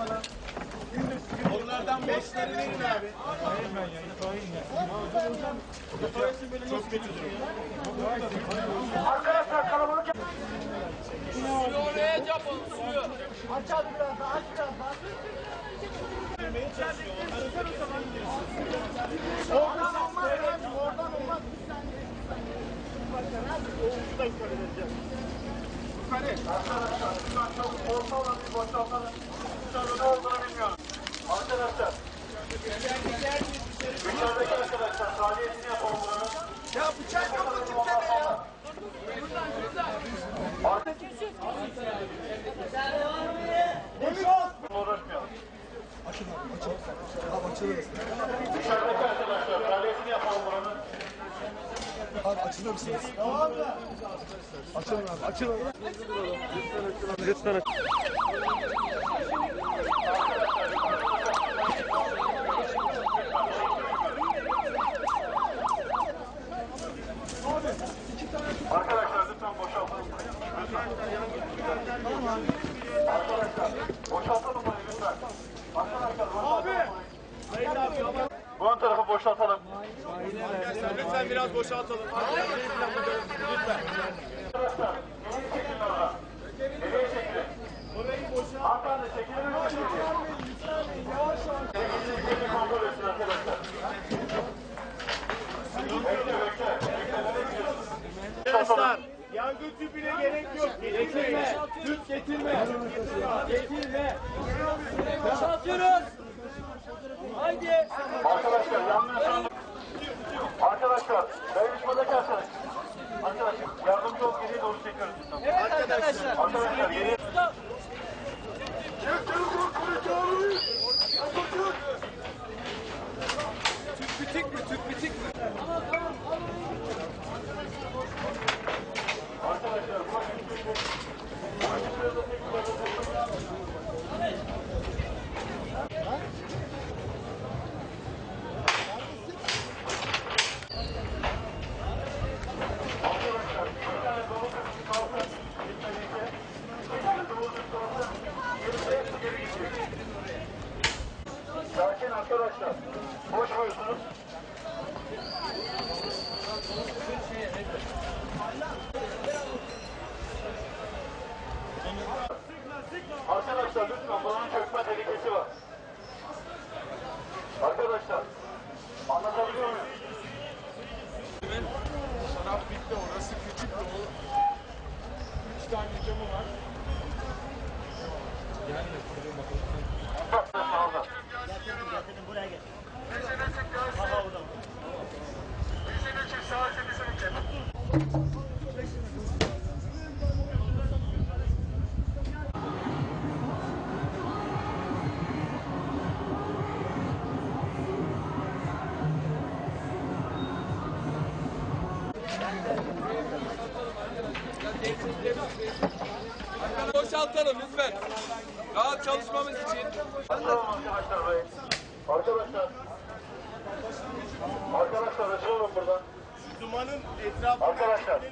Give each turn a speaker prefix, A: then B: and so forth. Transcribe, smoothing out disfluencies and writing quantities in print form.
A: Onlardan 5'leri verin abi.
B: Hayır ben ya.
A: Çok kötü durum.
C: Arkadaşlar kalabalık yap.
D: Suyu oraya yapın, suyu.
C: Aç abi biraz daha, aç biraz daha. Oradan olmaz, oradan olmaz. Bir dakika vereceğim. Arkadaşlar, lütfen çok orta olan bir boşaltalım. Ne olduğunu bilmiyorum. Arkadaşlar, dışarıdaki arkadaşlar, faaliyetini yapalım buranın.
A: Ya bıçak yok mu kimsede ya?
C: Uğraşmayalım. Dışarıdaki arkadaşlar, faaliyetini yapalım buranın.
B: Abi açılır mısınız? Açılın abi, açılın. Lütfen aç.
C: Arkadaşlar lütfen boşaltalım. Arkadaşlar boşaltalım burayı lütfen. Arkadaşlar boşaltalım burayı. Bu ön tarafı boşaltalım.
A: Lütfen biraz boşaltalım. Lütfen.
C: Arkadaşlar geriye çekilin orada. Geriye çekilin. Hanımefendi çekilir misiniz? Çekilin kontrol etsin arkadaşlar.
A: Arkadaşlar yangın tüpüne gerek yok. Getirme. Tüp getirme. Getirme.
D: Boşaltıyoruz. Haydi.
C: Arkadaşlar yanmıyorsanız. Arkadaşlar dayanışmadaki arkadaşlar. Arkadaşlar yardımcı ol, geriye doğru çekiyoruz.
D: Evet arkadaşlar.
C: Arkadaşlar geriye.
D: Stop.
A: Tüp bitik mi? Tüp bitik mi?
C: Sakin arkadaşlar. Boş buyursunuz. Arkadaşlar lütfen buranın çökme tehlikesi var. Arkadaşlar anlatabiliyor muyum?
A: Şarap bitti, orası küçük de o. 3 tane camı var.
C: Getirdim buraya getir. Aha oradan.
D: Boşaltalım lütfen. Rahat çalışmamız için.
C: Arkadaşlar burayı. Arkadaşlar. Arkadaşlar açılalım buradan.
A: Dumanın etrafında
C: Arkadaşlar.